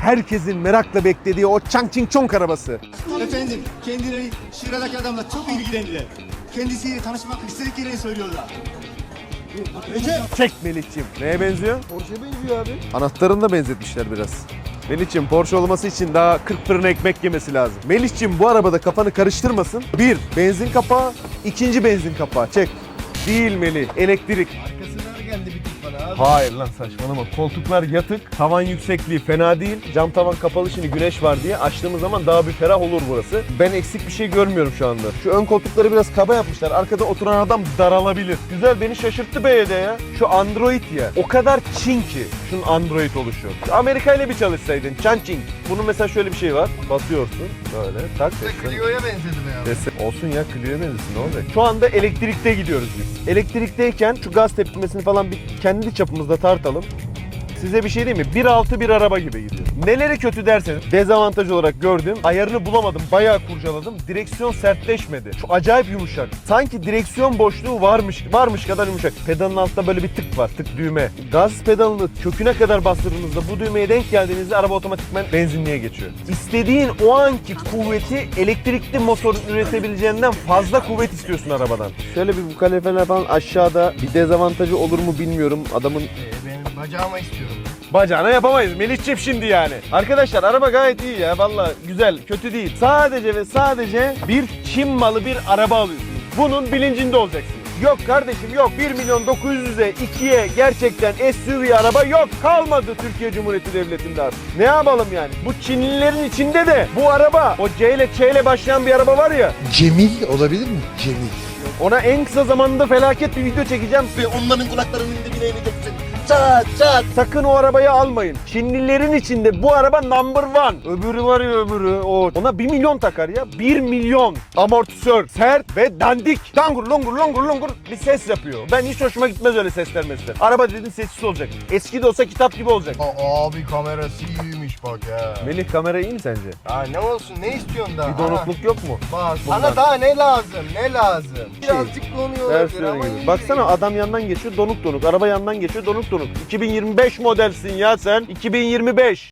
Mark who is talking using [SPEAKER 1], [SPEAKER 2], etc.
[SPEAKER 1] herkesin merakla beklediği o Changching Chong arabası.
[SPEAKER 2] Efendim, kendileri şuradaki adamla çok ilgilendiler. Kendisiyle tanışmak istediklerini söylüyorlar.
[SPEAKER 1] Çek Melih'ciğim. Neye benziyor?
[SPEAKER 3] Porsche'ye benziyor abi.
[SPEAKER 1] Anahtarını da benzetmişler biraz. Melih'ciğim Porsche olması için daha 40 fırın ekmek yemesi lazım. Melih'ciğim bu arabada kafanı karıştırmasın. Bir, benzin kapağı. İkinci benzin kapağı. Çek. Değil Melih. Elektrik.
[SPEAKER 3] Arkasından geldi bir tık bana abi.
[SPEAKER 1] Hayır lan saçmalama. Koltuklar yatık. Tavan yüksekliği fena değil. Cam tavan kapalı, şimdi güneş var diye açtığımız zaman daha bir ferah olur burası. Ben eksik bir şey görmüyorum şu anda. Şu ön koltukları biraz kaba yapmışlar. Arkada oturan adam daralabilir. Güzel, beni şaşırttı BYD ya. Şu Android ya. O kadar Çin ki şunun Android oluşu. Şu Amerika ile bir çalışsaydın. Changching. Bunun mesela şöyle bir şey var. Basıyorsun. Böyle tak.
[SPEAKER 3] Clio'ya benzedi be abi.
[SPEAKER 1] Olsun ya, Clio'ya benzesin, ne olacak? Şu anda elektrikte gidiyoruz biz. Elektrikteyken şu gaz tepkimesini falan bir kendi çapımızda tartalım. Size bir şey diyeyim mi? 1.6 bir araba gibi gidiyor. Neleri kötü derseniz, dezavantaj olarak gördüm. Ayarını bulamadım, bayağı kurcaladım. Direksiyon sertleşmedi. Şu acayip yumuşak. Sanki direksiyon boşluğu varmış kadar yumuşak. Pedalın altında böyle bir tık var, tık düğme. Gaz pedalını köküne kadar bastırdığınızda bu düğmeye denk geldiğinizde araba otomatikman benzinliğe geçiyor. İstediğin o anki kuvveti elektrikli motor üretebileceğinden fazla kuvvet istiyorsun arabadan. Şöyle bir bu kalefeler falan aşağıda, bir dezavantajı olur mu bilmiyorum. Adamın
[SPEAKER 3] Benim bacağıma istiyorum.
[SPEAKER 1] bacağına yapamayız Melih'ciğim şimdi yani. Arkadaşlar araba gayet iyi ya, vallahi güzel, kötü değil. Sadece ve sadece bir Çin malı bir araba alıyorsunuz. Bunun bilincinde olacaksınız. Yok kardeşim yok, 1.900.000'e 2'ye gerçekten SUV araba yok, kalmadı Türkiye Cumhuriyeti Devleti'nde artık. Ne yapalım yani? Bu Çinlilerin içinde de bu araba, o C ile Ç ile başlayan bir araba var ya.
[SPEAKER 4] Cemil olabilir mi? Cemil.
[SPEAKER 1] Ona en kısa zamanda felaket bir video çekeceğim.
[SPEAKER 4] Ve onların kulaklarının dibine ineceksin. Çat çat.
[SPEAKER 1] Sakın o arabayı almayın. Çinlilerin içinde bu araba number one. Öbürü var ya, öbürü. Ona 1 milyon takar ya. 1 milyon. Amortisör, sert ve dandik. Dangur longur longur longur bir ses yapıyor. Ben hiç hoşuma gitmez öyle sesler mesela. Araba dedin sessiz olacak. Eski de olsa kitap gibi olacak.
[SPEAKER 3] Abi kamerası iyiymiş bak ya.
[SPEAKER 1] Melih, kamera iyi mi sence?
[SPEAKER 3] Ha ne olsun, ne istiyorsun daha?
[SPEAKER 1] Bir donukluk yok mu?
[SPEAKER 3] Bak
[SPEAKER 1] Bundan.
[SPEAKER 3] sana daha ne lazım, ne lazım? Birazcık donuyor olabilir
[SPEAKER 1] Versiyonu
[SPEAKER 3] ama
[SPEAKER 1] gibi.
[SPEAKER 3] iyi.
[SPEAKER 1] Baksana, adam yandan geçiyor donuk donuk. Araba yandan geçiyor donuk donuk. 2025 modelsin ya sen. 2025.